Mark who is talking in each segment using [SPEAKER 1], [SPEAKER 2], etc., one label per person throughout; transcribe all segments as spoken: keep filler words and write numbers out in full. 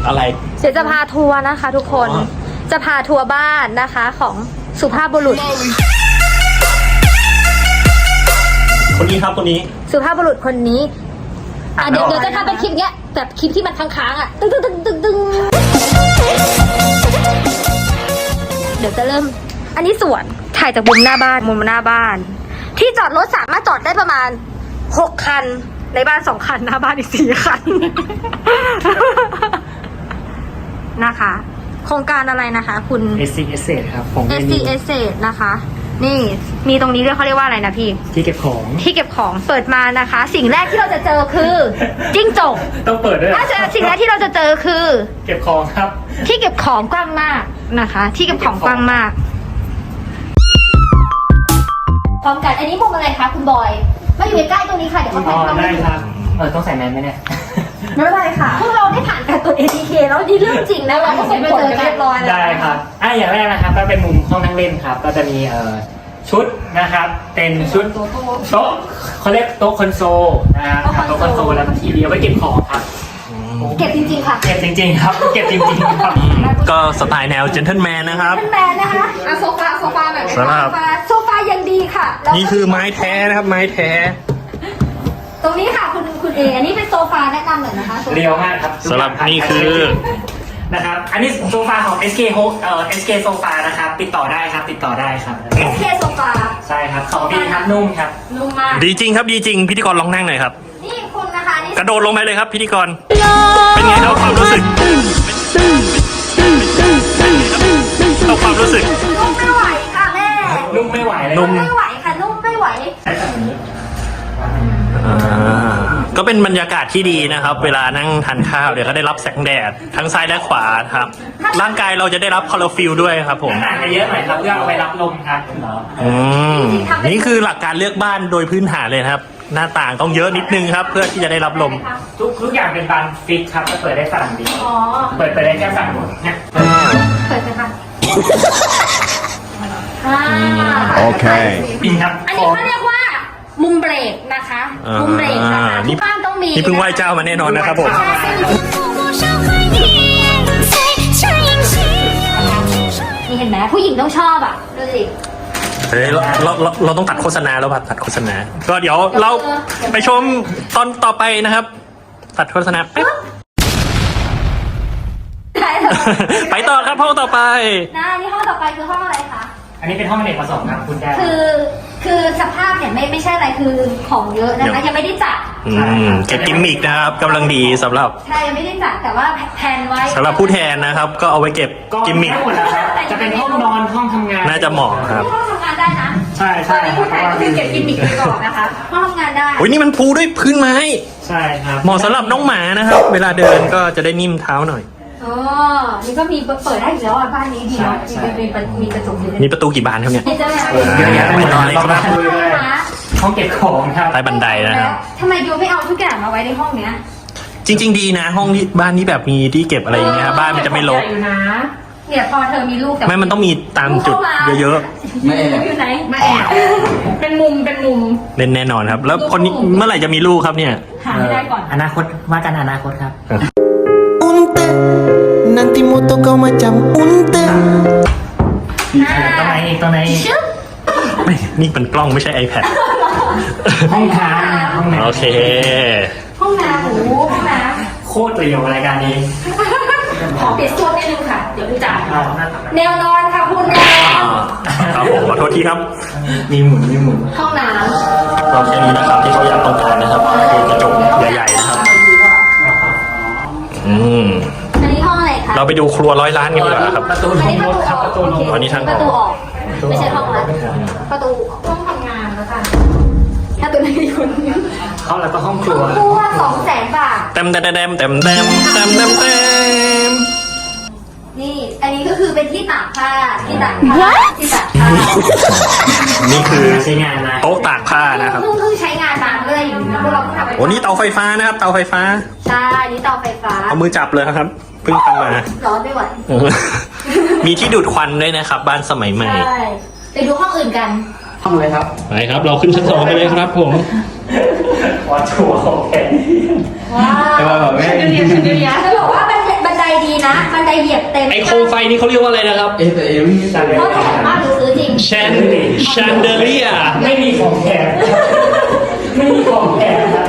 [SPEAKER 1] อะไร
[SPEAKER 2] เดี๋ยวจะพาทัวร์นะคะทุกคนจะพาทัวร์บ้านนะคะของสุภาพบุรุษ
[SPEAKER 1] คนนี้ครับคนนี้
[SPEAKER 2] สุภาพบุรุษคนนี้อ่ะเดี๋ยวเดี๋ยวจะทำเป็นคลิปเนี้ยแบบคลิปที่มันค้างๆอ่ะตึ้งตึ้งตึ้งตึ้งตึ้งเดี๋ยวจะเริ่มอันนี้สวนถ่ายจากมุมหน้าบ้านมุมหน้าบ้านที่จอดรถสามารถจอดได้ประมาณหกคันในบ้านสองคันหน้าบ้านอีกสี่คันนะคะโครงการอะไรนะคะคุณ
[SPEAKER 1] เอส ซี Estate ครับของ
[SPEAKER 2] เอส ซี Estate นะคะนี่มีตรงนี้ด้วยเขาเรียกว่าอะไรนะพี่
[SPEAKER 1] ที่เก็บของ
[SPEAKER 2] ที่เก็บของเปิดมานะคะสิ่งแรกที่เราจะเจอคือจิ้งจก
[SPEAKER 1] ต้องเปิดด้วย
[SPEAKER 2] ถ้าเจอสิ่งแรกที่เราจะเจอคือ
[SPEAKER 1] เก็บของครับ
[SPEAKER 2] ที่เก็บของกว้างมากนะคะที่เก็บของกว้างมากพร้อมกันอันนี้มุมอะไรคะคุณบอยมาอยู่ใกล้ๆตรงนี้ค่ะเดี๋ยวเขาแพนเข้ามา
[SPEAKER 1] ได้ครับเออต้องใส่แมสไหมเนี่ย
[SPEAKER 2] ไม่เป็นไรค่ะพวกเราได้ผ่านการตรวจ เอ ที เค แล้วนี่เรื่องจริงนะเราก็ส่งผลกันเรียบร้อยแล้ว
[SPEAKER 1] ได้ครับอ่ะอย่างแรกนะครับก็เป็นมุมห้องนั่งเล่นครับก็จะมีเอ่อชุดนะครับเป็นชุดโต๊ะเขาเรียกโต๊ะคอนโซลนะครับโต๊ะคอนโซลแล้วก็ทีเดียวไว้เก็บของครับ
[SPEAKER 2] เก็บจริงๆค่ะ
[SPEAKER 1] เก็บจริงๆครับเก็บจริงๆครับก็สไตล์แนวเจนเทิลแมนนะครับ
[SPEAKER 2] เจนเทิลแมนนะคะอ่ะโซฟาโซฟาแบบนี้โซฟาโซฟายังดีค่ะ
[SPEAKER 1] นี่คือไม้แท้นะครับไม้แท้
[SPEAKER 2] ตรงนี้ค่ะคุณคุณเออันนี้เป็นโซฟาแนะนำหน่อยนะคะ
[SPEAKER 1] เรียวมากครับสำหรับนี่คือนะครับอันนี้โซฟาของ เอส เค เอ่อ เอส เค โซฟานะครับติดต่อได้ครับติดต่อได้ครับ
[SPEAKER 2] เอส เค โซฟา
[SPEAKER 1] ใช่ครับของดีครับนุ่มครับ
[SPEAKER 2] นุ่มมาก
[SPEAKER 3] ดีจริงครับดีจริงพิธีกรลองนั่งหน่อยครับ
[SPEAKER 2] นี่คุณนะคะนี่
[SPEAKER 3] กระโดดลงไปเลยครับพิธีกรเป็นไงครับความรู้สึกเอาความรู้สึก
[SPEAKER 2] นุ่มไม่ไหวค่ะแม่
[SPEAKER 1] นุ่มไม่ไหว
[SPEAKER 2] นุ่มไม่ไหวค่ะนุ่มไม่ไหว
[SPEAKER 3] ก็เป็นบรรยากาศที่ดีนะครับเวลานั่งทานข้าวเดี๋ยวก็ได้รับแสงแดดทั้งซ้ายและขวาครับร่างกายเราจะได้รับคลอโรฟิลล์ด้วยครับผม
[SPEAKER 1] ต่างกันเยอะหน่อยครับเพื่อเอาไปรับลมครับ
[SPEAKER 3] อืมนี่คือหลักการเลือกบ้านโดยพื้นฐานเลยครับหน้าต่างต้องเยอะนิดนึงครับเพื่อที่จะได้รับลม
[SPEAKER 1] ทุกทุกอย่างเป็นบานฟิกครับก็เปิดได้ฝั่งเดียวเปิดเปิดได้แค่ฝั่งนู้นเนี่ย
[SPEAKER 2] เปิดเลยค่ะ
[SPEAKER 3] โอเค
[SPEAKER 1] ครับ
[SPEAKER 2] อันนี้เขาเรียกว่ามุมเบรกนะคะมุมเบรกนะคะที่บ้านต้องมี
[SPEAKER 3] นี่เพิ่งไหว้เจ้ามาแน่นอนนะครับผม
[SPEAKER 2] นี่เห็นไหมผู้หญิงต้องชอบอ่ะดูสิ
[SPEAKER 3] เฮ้ยเราเราเราต้องตัดโฆษณาแล้วครับตัดโฆษณาก็เดี๋ยวเราไปชมตอนต่อไปนะครับตัดโฆษณาแป๊บไปต่อครับห้องต่อไป
[SPEAKER 2] นะนี่ห้องต่อไปคือห้องอะไรคะ
[SPEAKER 1] อันนี้เป็นห้องอเนกประสงค์ครับคุณแก้ว
[SPEAKER 2] คือคือสภาพเนี่ยไม่ไม่ใช่อะไรคือของเยอะนะคะยังไม่ได้จัด
[SPEAKER 3] เก็บกิมมิกนะครับกำลังดีสำหรับ
[SPEAKER 2] ใช่ยังไม่ได้จัดแต่ว่าแพนไว้
[SPEAKER 3] สำหรับผู้แทนนะครับก็เอาไว้เก็บกิมมิก
[SPEAKER 1] จะเป็นห้องนอนห้องทำงาน
[SPEAKER 3] น่าจะเหมาะครับ
[SPEAKER 2] ห้องทำงานได้นะ
[SPEAKER 1] ใช่ใช่
[SPEAKER 2] ผู้แทนก็คือเก็บกิมมิกไปก่อนนะคะห้องทำงานได้
[SPEAKER 3] โอ้ยนี่มันปูด้วยพื้นไม้
[SPEAKER 1] ใช่ครับ
[SPEAKER 3] เหมาะสำหรับน้องหมานะครับเวลาเดินก็จะได้นิ่มเท้าหน่อย
[SPEAKER 2] อ๋อนี่ก็มีเปิดได้อยู่แล้วอ่ะบ้านนี้ดีเนาะมีมีกระจกอยู่
[SPEAKER 3] มีประตูกี่บานครับเนี่ย
[SPEAKER 1] เยอะแยะไปหมดเลยครับห้องเก็บของครับ
[SPEAKER 3] ใต้บันไดนะครับ
[SPEAKER 2] ทำไมยูไม่เอาทุกอย่างมาไว้ในห้องเนี้ย
[SPEAKER 3] จริงๆดีนะห้องนี้บ้านนี้แบบมีที่เก็บอะไรอย่างเงี้ยบ้านมันจะไม่รก
[SPEAKER 2] เนี่ยพอเธอมีลูกแต่
[SPEAKER 3] ไม่มันต้องมีตามจุดเยอะ
[SPEAKER 2] ๆไม่แอบอยู่ไหนไม่แอบเป็นมุมเป็นมุม
[SPEAKER 3] เล่นแน่นอนครับแล้วคนนี้เมื่อไหร่จะมีลูกครับเนี่ย
[SPEAKER 2] หาไม่ได้ก่อน
[SPEAKER 1] อนาคตว่ากันอนาคตครับ
[SPEAKER 3] nanti moto kau macam unta
[SPEAKER 1] ตรงไหนอีกตรงไหนอีก
[SPEAKER 3] ไม่นี่เป็นกล้องไม่ใช่ iPad
[SPEAKER 1] ห้องน้ำห้องน้ำ
[SPEAKER 3] โอเค
[SPEAKER 2] ห้องน้ำโอ้ห้องน้
[SPEAKER 1] ำโคตรเรียวรายการนี้
[SPEAKER 2] ขอเปลี่ยนโซนนิดนึงค่ะเดี๋ยวคุณจ่ายแนวนอนค่ะคุณแนว
[SPEAKER 3] ครับผมขอโทษทีครับ
[SPEAKER 1] มีหมุนมีหมุน
[SPEAKER 2] ห้องน้ำ
[SPEAKER 3] ก็แค่นี้นะครับที่เขาอยากต้องการนะครับคือกระจกใหญ่ๆนะครับอืมเราไปดูครัวร้อยล้านกันดีกว่าครับ
[SPEAKER 1] ประตูห้องรถครับประตูลง
[SPEAKER 3] อันนี้ทาง
[SPEAKER 2] ประตูออกไม่ใช่ห้องละประตูห้องทำงานแล้วกันถ้าตัวนี้คุณ
[SPEAKER 1] เขาแล้วก็ห้องครัว
[SPEAKER 2] ครัวสองแสนบาท
[SPEAKER 3] เต็มเต็มเต็มเต็มเต็มเต็มเต็มเต็ม
[SPEAKER 2] นี่อันนี้ก็คือเป็นที่ตากผ้าที่ตากผ้าที่ตากผ้า
[SPEAKER 3] นี่คือ
[SPEAKER 1] ใช้งานนะ
[SPEAKER 3] โต๊ะตากผ้านะครับ
[SPEAKER 2] เพิ่งเพิ่งใช้งานมาเมื่ออยู่นะพวกเราเพิ่งทำไป
[SPEAKER 3] โอ้นี่เตาไฟฟ้านะครับเตาไฟฟ้า
[SPEAKER 2] ใช่นี่เตาไฟฟ้า
[SPEAKER 3] เอามือจับเลยครับเพิ่งทำมา
[SPEAKER 2] ร้อนไม่ไหว
[SPEAKER 3] มีที่ดูดควันด้วยนะครับบ้านสมัยใหม่
[SPEAKER 2] ใช่ไปดูห้องอื่นกัน
[SPEAKER 1] ห้องเลยครับ
[SPEAKER 3] ไปครับเราขึ้นชั้นสองไปเลยครับผม
[SPEAKER 1] ว้าวชัวร์โอเค
[SPEAKER 2] ว้าว
[SPEAKER 1] แต่ว่าแบบไม่
[SPEAKER 2] ชั้นเดียวชั้นเดียวจะบอกว่าบันไดบียบเต็ม
[SPEAKER 3] ไอโคมไฟนี่เขาเรียกว่าอะไรนะครับ
[SPEAKER 4] เอแต่เอไม่มีแต่
[SPEAKER 2] เพราะแถมบ้านหรือซื้อจริง
[SPEAKER 3] แชนแชนเดเลีย
[SPEAKER 1] ไม่มีของแถมไม่มีของแถมครับ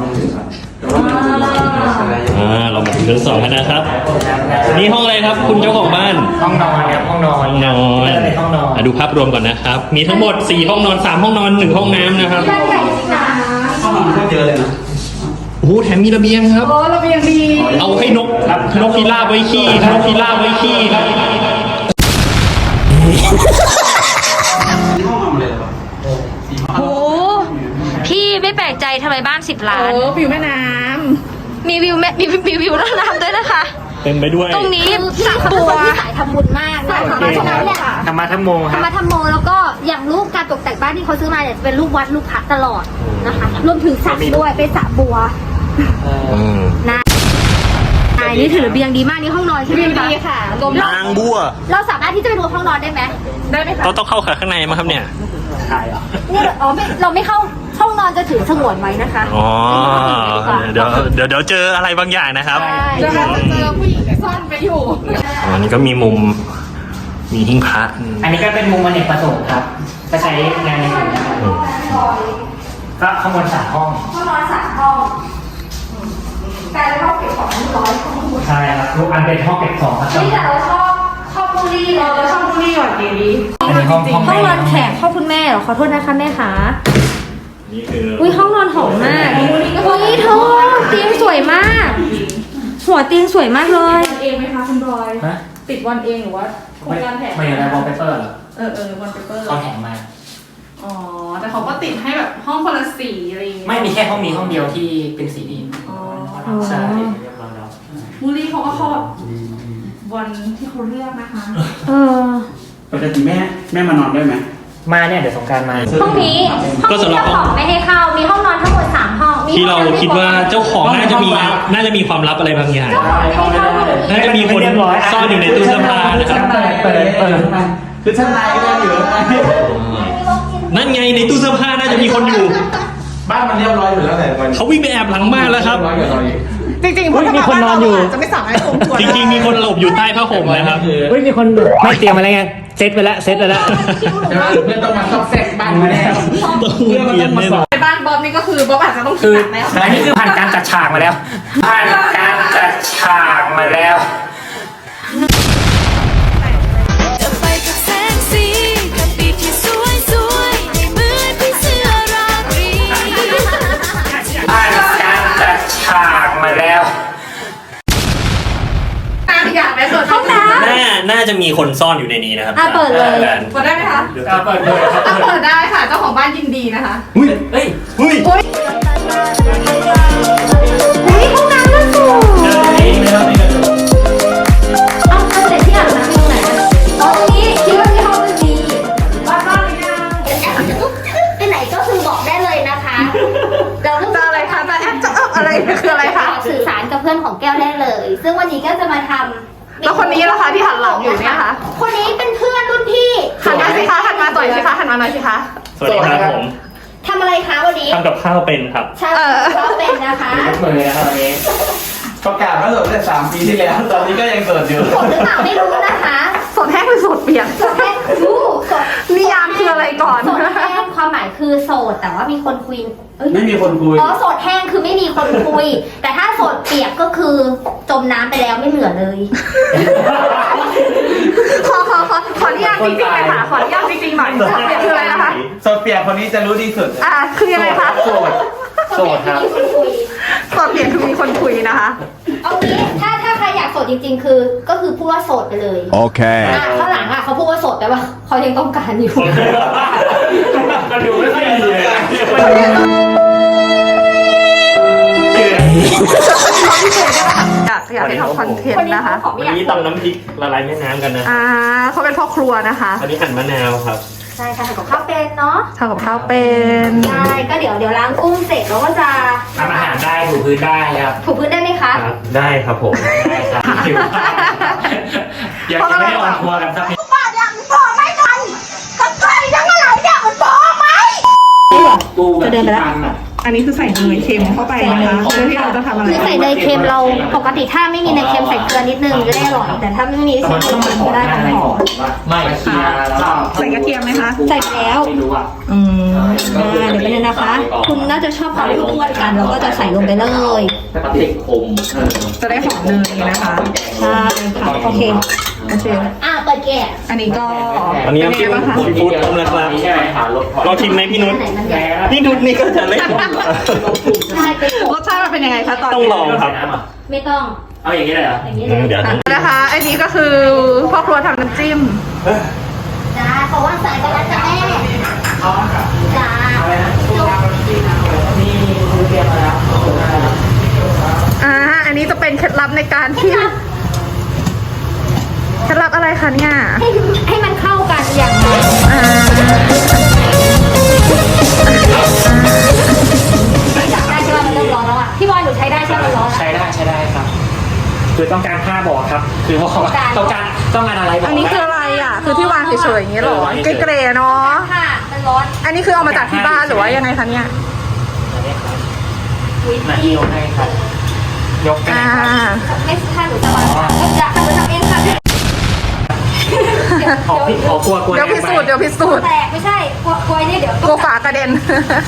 [SPEAKER 3] อ่าเรามาถึงชั้นสองแล้วนะครับ นี่ห้องอะไรครับ คุณเจ้าของบ้าน
[SPEAKER 1] ห้องนอนครับห้องนอน
[SPEAKER 3] ห้องนอน
[SPEAKER 1] เป็นห้องนอน
[SPEAKER 3] อ่ะดูภาพรวมก่อนนะครับ มีทั้งหมดสี่ห้องนอนสามห้องนอนหนึ่งห้องน้ำนะครับ
[SPEAKER 2] บ้านใหญ่จริงนะ
[SPEAKER 4] ห้องนอนโคตรเยอะเลยนะ
[SPEAKER 3] โอ้โหแถมมีระเบียงครับ
[SPEAKER 2] โอ้ระเบียงดี
[SPEAKER 3] เอาให้นกนกพิราบไว้ขี้นกพิราบไว้ขี้ครับ
[SPEAKER 4] ที่ห้องนอนเลยเหรอ
[SPEAKER 2] โอ้พี่ไม่แปลกใจทำไมบ้านสิบล้าน
[SPEAKER 5] เออวิวแม่น้
[SPEAKER 2] มีวิวแม่มีมีวิวน้ำน้ำด้วยนะคะ
[SPEAKER 3] เต็มไปด้วย
[SPEAKER 2] ตรงนี้สระบัวที่สายทำบุญมากนะเพราะฉะนั้นเนี่ย
[SPEAKER 1] ธรรมะธรรมโมค
[SPEAKER 2] ธร
[SPEAKER 1] รับ
[SPEAKER 2] รมะธรรมโมแล้วก็อย่างรูปการตกแต่งบ้านที่เขาซื้อมาเนี่ยจะเป็นรูปวัดรูปพระตลอดนะคะรวมถึงสระด้วยเป็นสระบัว
[SPEAKER 3] อืม
[SPEAKER 2] นะใช่นี่ถือระเบียงดีมากนี่ห้องนอนใช่ไหม
[SPEAKER 5] ำ
[SPEAKER 2] คะ
[SPEAKER 5] ดีค่ะรวม
[SPEAKER 3] นางบัว
[SPEAKER 2] เราสามารถที่จะไปดูห้องนอนได้ไหม
[SPEAKER 5] ได้ไหมคะ
[SPEAKER 3] เราต้องเข้าขาข้างในมั้งครับเนี่ย
[SPEAKER 2] นี่อ๋อไม่เราไม่เข้าห้องนอนจะถือสงวนไว้นะคะ
[SPEAKER 3] อ๋อ เดี๋ยวเดี๋ยวเดี๋ยวเจออะไรบางอย่างนะครับ
[SPEAKER 2] ใช่
[SPEAKER 5] เดี๋ยวเราจะเจอผู้หญิงซ่อนไปอยู่
[SPEAKER 3] อ๋อนี่ก็มีมุม มีหิ้งพระอืม
[SPEAKER 1] อันนี้ก็เป็นมุมอเนกประสงค์ครับก็ใช้งานในอื่นนะครับก็ข้างบนสามห้อง
[SPEAKER 2] ห้องนอนสามห้องแต่ละห้องเก็บของร้อยห้องหมด
[SPEAKER 1] ใช่ครับทุกอันเป็นห้องเก็บของครับ
[SPEAKER 2] นี่แต่เราชอบชอบบุรีเราชอบบุรีหวานดี
[SPEAKER 1] อันนี้ห้องห้อง
[SPEAKER 2] ห้องนอน
[SPEAKER 1] แม่
[SPEAKER 2] แขกพ่อคุณแม่เหรอขอโทษนะคะแม่คะ
[SPEAKER 3] นี่คือ
[SPEAKER 2] อุ้ยห้องนอนหอมมากอุ้ยเธอเตียงสวยมาก หัวเตียงสวยมากเลย
[SPEAKER 5] เองไหมคะคุณบอย
[SPEAKER 1] ฮะ
[SPEAKER 5] ติดวันเองหรือว่าโครงการแถม
[SPEAKER 1] ไม่อะไรวอลเปเปอร์เหรอ
[SPEAKER 5] เออเออวันเปเปอร์
[SPEAKER 1] เขาแถมมา
[SPEAKER 5] อ๋อแต่เขาก็ติดให้แบบห้องคนละสีอะไรอย่างเงี้ย
[SPEAKER 1] ไม่มีแค่ห้องนี้ห้องเดียวที่เป็นสีนี้
[SPEAKER 5] อ๋อ
[SPEAKER 1] ใช่เรียบร้อยแล้ว
[SPEAKER 5] มูลี่เขาก็เข้าแบบวันที่เขาเลือกนะคะ
[SPEAKER 2] เออ
[SPEAKER 4] ปกติแม่แม่มานอนด้วยไหม
[SPEAKER 1] มาเนี่ยเดี๋ยวสงกรารมา
[SPEAKER 2] ห้องนี้ห้อง
[SPEAKER 3] ก็สำหรับ
[SPEAKER 2] เจ้า
[SPEAKER 3] ห้อง
[SPEAKER 2] ของไม่ให้เข้ามีห้องนอนทั้งหมดสามห้องมี
[SPEAKER 3] ที่เรา
[SPEAKER 2] ห้องน้ำ
[SPEAKER 3] คิดว่าเจ้าของน่าจะมีน่าจะมีความลับอะไรบางอย่าง
[SPEAKER 2] เจ้าของไม่ให้เข้า
[SPEAKER 3] น่าจะมีคนซ่อนอยู่ในตู้เสื้อผ้านะครับ
[SPEAKER 1] เปิดเปิดเปิด
[SPEAKER 4] คือชั้นในก็ยังอยู่ข้างใน
[SPEAKER 3] นั่นไงในตู้เสื้อผ้าน่าจะมีคนอยู่
[SPEAKER 4] บ้านมันเรียบร้อยอยู่แล้วแหละมัน
[SPEAKER 3] เขาวิ่งไปแอบหลังบ้านแล้วครับ
[SPEAKER 4] เรียบร้อยกับเราอีก
[SPEAKER 5] จริงๆ
[SPEAKER 1] เฮ้ยมีคนนอนอยู่
[SPEAKER 5] จะไม่สามารถข่มขืน
[SPEAKER 3] จริงๆ มีคนหลบอยู่ใต้ผ้าห่มนะครับ
[SPEAKER 1] เฮ้ยมีคนไม่เตรียมอะไรไงเซตไปแล้วเซตไปแล้ว
[SPEAKER 4] ใช่ไหมเพื่อนต้องมาซอกแซกบ้านมาแน่
[SPEAKER 3] ต้องเปลี่ยนแน่นอน
[SPEAKER 5] ในบ้านบ๊อบนี่ก็คือบ๊อบอาจจะต้องคิ
[SPEAKER 1] คื
[SPEAKER 5] ด
[SPEAKER 1] อ
[SPEAKER 5] หนักแล้ว
[SPEAKER 1] อันนี้คือผ่านการจัดฉากมาแล้ว ผ่านการจัดฉากมาแล้ว
[SPEAKER 6] จะไปกับแสงสีกับปีกที่สวยสวยในเหมือนพี่เสื้อราตรี
[SPEAKER 1] ผ่านการจัดฉากมาแล้ว
[SPEAKER 5] อยากไปเปิดห้องน้
[SPEAKER 3] น่าน่าจะมีคนซ่อนอยู่ในนี้นะครับ
[SPEAKER 2] อ่ะเปิดเลย
[SPEAKER 5] ำเปิดได้ไหมคะ
[SPEAKER 1] เอาเปิดเลยครับ
[SPEAKER 5] อ่ะเปิดได้ค่ะเจ้าของบ้านยินดีนะคะ
[SPEAKER 1] เฮ้ย
[SPEAKER 3] เฮ้ย
[SPEAKER 2] อุ้ยห้องน้ำน่าสูงเอาเอาเสร็จที่อาบน้ำตรงไหนอะอ๋อตรงนี้คิดว่าที่ห้องมันดี
[SPEAKER 5] บ้านบ้านหรือยัง
[SPEAKER 2] ไปไหนก็คือบอกได้เลยนะคะเราเพิ่ง
[SPEAKER 5] จะอะไรคะจะแอปจะอัพอะไรคืออะไรคะ
[SPEAKER 2] สื่อสารกับเพื่อนของแก้วได้เลย ซึ่งวันนี้ก็จะมาทำ
[SPEAKER 5] แล้วคนนี้ล่ะคะที่หันหลังอยู่เนี่ยคะ
[SPEAKER 2] คนนี้เป็นเพื่อนรุ่นพี่
[SPEAKER 5] หันมาสิคะหันมาต่อยสิคะหันมาหน่อยสิคะ
[SPEAKER 3] สวัสดีครับผม
[SPEAKER 2] ทำอะไรคะวันนี้
[SPEAKER 3] ทำกับข้าวเป็นครับ
[SPEAKER 2] ใช่ก็เป็นนะคะ
[SPEAKER 1] ยกมือนะครับวันนี้
[SPEAKER 4] ประกาศว่าโสดตั้งแต่สามปีที่แล้ว ตอนนี้ก็ยังโสดอยู่
[SPEAKER 2] สดหรือเปล่าไม่รู้นะคะ
[SPEAKER 5] สดแห้งหรือสดเปียก
[SPEAKER 2] สดแห้งรู้สด
[SPEAKER 5] นิยามคืออะไรก่อน
[SPEAKER 2] โสดแห้งความหมายคือโสดแต่ว่ามีคนคุยเอ้ย
[SPEAKER 4] ไม่มีคนคุย
[SPEAKER 2] อ๋อโสดแห้งคือไม่มีคนคุย แต่ถ้าโสดเปียกก็คือจมน้ำไปแล้วไม่เหลือเลย
[SPEAKER 5] ขอขอขอขออนุญาตจริงๆเลยค่ะขออนุญาตจริงๆหน่อยสดเปียกคืออะไรนะคะ
[SPEAKER 4] โสดเปียกคนนี้จะรู้ดีสุด
[SPEAKER 5] อ่าคือยังไงคะ
[SPEAKER 4] โสด โสดครับ
[SPEAKER 2] มีคนคุย
[SPEAKER 5] สดเปียกคือมีคนคุยนะคะ
[SPEAKER 2] เอางี้ถ้าถ้าใครอยากโสดจริง ๆ คือ ก็คือพูดว่าโสดไปเลย
[SPEAKER 7] Okay.
[SPEAKER 2] อ่ะข้างหลังอ่ะเขาพูดว่าโสดแปลว่าเขายังต้องการอยู่
[SPEAKER 1] มันดูไม่ค่อยดีเลยนะ
[SPEAKER 5] อยากอยากให้ทำคอนเทน
[SPEAKER 2] คน
[SPEAKER 5] ต์
[SPEAKER 2] นี้
[SPEAKER 5] นะคะ
[SPEAKER 2] เขาของไม่
[SPEAKER 3] วัน
[SPEAKER 2] อยาก
[SPEAKER 3] นี้ตำน้ำพริกละลายแม่น้ำกันนะ
[SPEAKER 5] อ่าเขาเป็นพ่อครัวนะคะ
[SPEAKER 3] อันนี้หั่นมะนาวครับ
[SPEAKER 2] ใช่ค่ะทำกับข้าวเป็นเนาะ
[SPEAKER 5] ทำกับข้าวเป็น
[SPEAKER 2] ใช่ก็เดี๋ยวเดี๋ยวล้างกุ้งเสร็จแล้วก็จะ
[SPEAKER 1] ทำอาหารได้ถูพื้นได้ครับ
[SPEAKER 2] ถูพื้นได้ไหมคะ
[SPEAKER 3] ครับ ได้ครับผม
[SPEAKER 1] ได้ครับอยากจะไม่ได้ออนทัวร์กันสักนิด
[SPEAKER 2] จะเดินไปแล้ว
[SPEAKER 5] อันนี้คือใส่เนยเค็มเข้าไปนะคะเพื่อที่เราจะทำอะไร
[SPEAKER 2] คือใส่เนยเค็มเราปกติถ้าไม่มีเนยเค็มใส่เกลือนิดนึงจะได้อร่อยแต่ถ้าไม่มีใส่เกลือก็ได้ทั้งหอม
[SPEAKER 1] ไม่เคียร์แล้วก็
[SPEAKER 5] ใส่กระเทียมไหมคะ
[SPEAKER 2] ใส่ไปแล้ว
[SPEAKER 1] ไม่รู้อ่ะ
[SPEAKER 5] อืม
[SPEAKER 2] อ่าเดี๋ยวไปเลยนะคะ คุณน่าจะชอบความอ้วนๆกันเราก็จะใส่ลงไปเลย
[SPEAKER 1] ติดคมเออ
[SPEAKER 5] จะได้หอมเนยนะคะ
[SPEAKER 2] ใช่ค่ะโอเค
[SPEAKER 5] โอเค
[SPEAKER 2] อ่ะเปิดแกะ
[SPEAKER 5] อันนี้ก็
[SPEAKER 3] อันนี้
[SPEAKER 5] เป็น
[SPEAKER 3] น้ำจิ้
[SPEAKER 5] ไง
[SPEAKER 3] ม
[SPEAKER 5] บ้างคะ
[SPEAKER 3] ซีฟู้ดต้มแล้วครับ
[SPEAKER 1] ใช่ไหมหารถ
[SPEAKER 3] ลองชิมไหมพี่นุช
[SPEAKER 2] ไหนมันใหญ่
[SPEAKER 3] พี่นุชนี่ก็จะเล่น
[SPEAKER 2] ใช่เป็น
[SPEAKER 5] รสชาติมันเป็นยังไงคะตอน
[SPEAKER 3] ต้อง
[SPEAKER 5] นี้
[SPEAKER 3] ลองครับ
[SPEAKER 2] ไม่ต้อง
[SPEAKER 1] เอาอย่างนี้เลยเหรอ
[SPEAKER 2] อย่างนี้
[SPEAKER 3] อื
[SPEAKER 2] เล
[SPEAKER 3] ม
[SPEAKER 2] ย
[SPEAKER 3] เดี๋ยว
[SPEAKER 5] อ่ะนะคะ อันนี้ก็คือพ่อครัวทำน้ำจิ้ม
[SPEAKER 2] จ้าขอว่างสายกันแล้วจ้ะแม่จ้า
[SPEAKER 1] นี่คือเตรียมมาแล้ว
[SPEAKER 5] อ่า อันนี้จะเป็นเคล็ดลับในการที่เคล็ดลับอะไรคะเนี่ย
[SPEAKER 2] ให้ให้มันเข้ากันอย่างไร
[SPEAKER 5] อ่า
[SPEAKER 2] จับได้ใช่ไหมมันเริ่มร้อนแล้วอ่ะพี่บอยหนูใช้ได้ใช่ไหมมันร้อนแล้ว
[SPEAKER 1] ใช้ได้ใช้ได้ครับ คือต้องการผ้าบอกครับ คือว่าต้องการต้องการอะไรบอก
[SPEAKER 5] อันนี้คืออะไรอ่ะ คือที่วางเฉยๆอย่างนี้เหรอเกรย์ๆเนาะ
[SPEAKER 2] ค่ะมันร้อน
[SPEAKER 5] อันนี้คือเอามาจากที่บ้านหรือว่ายังไงคะเนี่ย
[SPEAKER 1] มาที่ยกให้ครับ ยกกัน
[SPEAKER 5] อ่า
[SPEAKER 2] ไม่ถ้าหนูจะวางก็จะทำทำเองค่ะเดี๋ยว
[SPEAKER 1] ขอพี่ขอกลัวกลัว
[SPEAKER 5] เดี๋ยวพิสูจน์เดี๋ยวพิสูจน์
[SPEAKER 2] แตกไม่ใช่กลัวกลัวเนี่ยเดี๋ยว
[SPEAKER 5] กลัวฝากระเด็น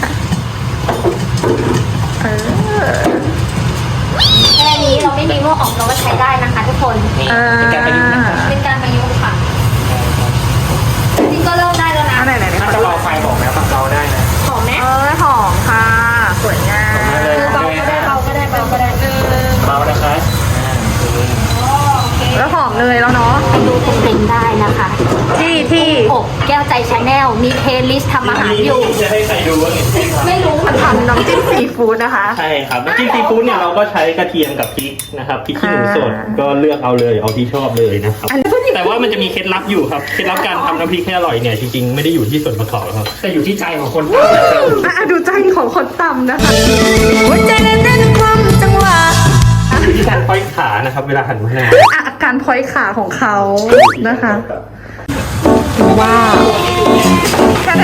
[SPEAKER 5] เออ
[SPEAKER 2] แค่นี้เราไม่มีหม้ออบเราก็ใช้ได้นะคะทุกคน
[SPEAKER 1] นี่
[SPEAKER 5] อ่า
[SPEAKER 1] เป็นการประยุกต์นะครับ
[SPEAKER 2] เป็นการประยุกต์ค่ะจริงๆก็เริ่มได้แล้วนะ
[SPEAKER 5] อันไหนไหนไหน
[SPEAKER 1] ถ้าจะรอไฟบอกนะปรับเราได้นะ
[SPEAKER 2] หอมไหม
[SPEAKER 5] เออหอมค่ะ สวยงาม
[SPEAKER 2] คือเบาก็ได้เบาก็ได้เบาก็ได้
[SPEAKER 1] เบานะครับอ่าโอเค
[SPEAKER 5] แล้วหอมเลยแล้วเนาะ
[SPEAKER 2] ไปดูเต็มๆได้นะคะ
[SPEAKER 5] ที่ที่
[SPEAKER 2] อบแก้วใจชาแนลมีเพลย์ลิสต์ทำอาหารอยู่
[SPEAKER 3] จะให้ใครดูว่าเห็นไหมครับ
[SPEAKER 2] ไม่รู้
[SPEAKER 5] ทำน้ำจิ้มซีฟู้ดนะคะ
[SPEAKER 3] ใช่ครับน้ำจิ้มซีฟู้ดเนี่ยเราก็ใช้กระเทียมกับพริกนะครับพริกขี้หนูสดก็เลือกเอาเลยเอาที่ชอบเลยนะครับ แต่ว่ามันจะมีเคล็ดลับอยู่ครับเคล็ดลับการทำน้ำพริกให้อร่อยเนี่ยจริงๆไม่ได้อยู่ที่ส่วนประกอบครับ
[SPEAKER 1] แต่อยู่ที่ใจของคน
[SPEAKER 5] อ่ะดูใจของคนตำนะคะ
[SPEAKER 6] หัวใจเต้นความจังหวะ
[SPEAKER 3] อยู่ที่การค่อยขานะครับเวลาหั่นมะนาว
[SPEAKER 5] อ่ะการพลอยขาของเขานะคะว้าวแค่นั้น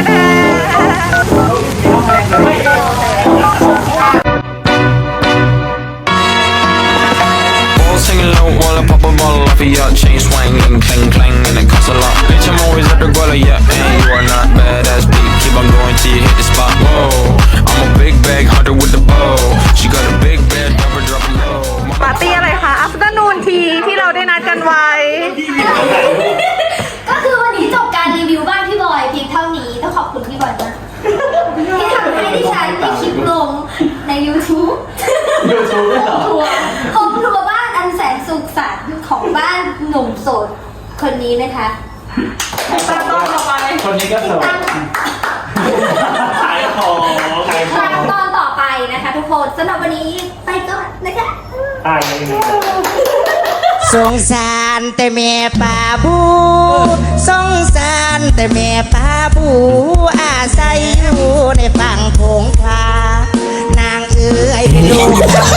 [SPEAKER 7] All singing low while I pop a bottle off of your chain swinging, clang clang, and it costs a lot. Bitch, I'm always at the guala, yeah, and you are not badass beat. Keep on going till you hit the spot. Whoa, I'm a big bag hunter with the bow. She got a big bed, never drop a low.
[SPEAKER 5] ปาร์ตี้อะไรคะ afternoon tea ที่เราได้นัดกันไว้
[SPEAKER 2] ก็คือวันนี้จบการรีวิวบ้านพี่บอยเพียงเท่านี้ต้องขอบคุณพี่บอยมากที่ทำให้ดิฉันได้คลิปลงใน YouTube
[SPEAKER 1] ยูทูบด้วยเหรอ
[SPEAKER 2] ครัวของครัวบ้านอันแสนสุขสันต์ของบ้านหนุ่มโสดคนนี้นะคะ
[SPEAKER 5] ตั้งต้นต่อไป
[SPEAKER 1] คนนี้ก็สวย
[SPEAKER 2] ตั้ง
[SPEAKER 3] ขายของขายของ
[SPEAKER 2] ตอนต่อไปนะคะทุกคนสำหรับวันนี้ไปก่อนนะคะ
[SPEAKER 1] ตายยังไง
[SPEAKER 8] สงสารแต่แม่ป่าบูสงสารแต่แม่ป่าบูอาศัยอยู่ในฝั่งโขงคานางเอ๋ยเป็นลูก